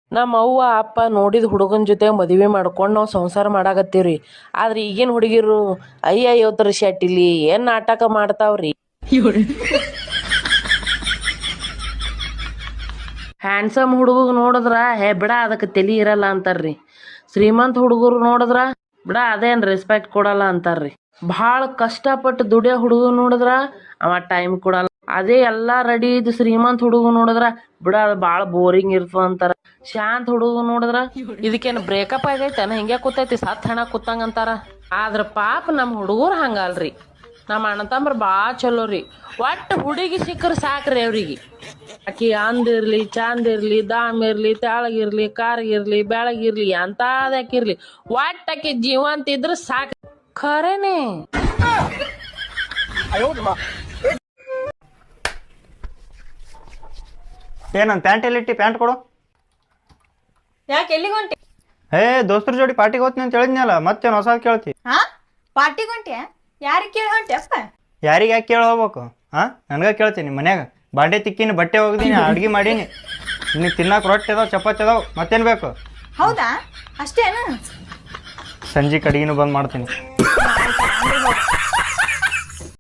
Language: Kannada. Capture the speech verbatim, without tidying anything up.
ನಮ್ಮ ಅವ್ವ ಅಪ್ಪ ನೋಡಿದ ಹುಡುಗನ ಜೊತೆ ಮದುವೆ ಮಾಡ್ಕೊಂಡು ನಾವು ಸಂಸಾರ ಮಾಡಾಕತ್ತೀವ್ರಿ. ಆದ್ರೆ ಈಗಿನ ಹುಡುಗಿರು ಅಯ್ಯಯ್ಯೋದ್ರ ಶೆಟ್ಟಿಲಿ ಏನ್ ನಾಟಕ ಮಾಡ್ತಾವ್ರಿ. ಹ್ಯಾಂಡ್ಸಮ್ ಹುಡುಗ ನೋಡಿದ್ರ ಹೇ ಬಿಡ ಅದಕ್ಕೆ ತಲಿ ಇರಲ್ಲ ಅಂತಾರ್ರಿ. ಶ್ರೀಮಂತ ಹುಡುಗರು ನೋಡಿದ್ರ ಬಿಡ ಅದೇನ್ ರೆಸ್ಪೆಕ್ಟ್ ಕೊಡಲ್ಲ ಅಂತಾರ್ರಿ. ಭಾಳ ಕಷ್ಟಪಟ್ಟು ದುಡಿಯೋ ಹುಡುಗ ನೋಡಿದ್ರ ಅವ ಟೈಮ್ ಕೊಡಲ್ಲ. ಅದೇ ಎಲ್ಲಾ ರೆಡಿ ಇದ್ ಶ್ರೀಮಂತ ಹುಡುಗ ನೋಡಿದ್ರ ಬಿಡ ಅದ್ ಬಾಳ ಬೋರಿಂಗ್ ಇರ್ತದ ಅಂತಾರ. ಶಾಂತ ಹುಡುಗ ನೋಡಿದ್ರ ಇದಕ್ಕೇನು ಬ್ರೇಕಪ್ ಆಗೈತೇನ ಹಿಂಗೆ ಕೂತೈತಿ ಸತ್ ಹಣ ಕೂತಂಗ ಅಂತಾರ. ಆದ್ರ ಪಾಪ ನಮ್ ಹುಡುಗರು ಹಂಗಲ್ರಿ. ನಮ್ಮ ಅಣ್ಣ ತಮ್ಮರ ಭಾಳ ಚಲೋ ರೀ. ಒಟ್ಟು ಹುಡುಗಿ ಸಿಕ್ಕರ ಸಾಕ್ರಿ ಅವ್ರಿಗೆ. ಆಕಿ ಅಂದಿರ್ಲಿ ಚಂದ ಇರ್ಲಿ ದಾಮ್ ಇರ್ಲಿ ತೆಳಗಿರ್ಲಿ ಕಾರ್ಗಿರ್ಲಿ ಬೆಳಗಿರ್ಲಿ ಎಂತಾದಕ್ಕಿರ್ಲಿ ಒಟ್ಟು ಆಕಿ ಜೀವಂತ ಇದ್ರ ಸಾಕ್. ಖರೇನೆ ಏ ನನ್ನ ಪ್ಯಾಂಟ್ ಎಲ್ಲಿಟ್ಟಿ? ಪ್ಯಾಂಟ್ ಕೊಡು. ಯಾಕೆ ಎಲ್ಲಿಗೆ ಹೊಂಟಿ? ಏ ದೋಸ್ತರ ಜೋಡಿ ಪಾರ್ಟಿಗೆ ಹೋಗ್ತೀನಿ ಅಂತ ಹೇಳಿದ್ನಲ್ಲ, ಮತ್ತೇನು ಹೊಸ ಕೇಳ್ತಿ? ಹಾ ಪಾರ್ಟಿಗೆ ಹೊಂಟ್ಯಾ? ಯಾರಿಗೆ ಕೇಳಿ ಹೊಂಟಿ ಅಪ್ಪ? ಯಾರಿಗೆ ಯಾಕೆ ಕೇಳಿ ಹೋಗ್ಬೇಕು? ಹಾಂ ನನಗೆ ಕೇಳ್ತೀನಿ. ಮನ್ಯಾಗ ಬಾಂಡೆ ತಿಕ್ಕಿನಿ, ಬಟ್ಟೆ ಒಗ್ದೀನಿ, ಅಡ್ಗೆ ಮಾಡೀನಿ, ನೀನು ತಿನ್ನಕ್ಕೆ ರೊಟ್ಟಿ ಅದಾವ ಚಪಾತಿ ಅದಾವ, ಮತ್ತೇನು ಬೇಕು? ಹೌದಾ ಅಷ್ಟೇನು? ಸಂಜೆ ಕಡೆಗಿನೂ ಬಂದು ಮಾಡ್ತೀನಿ.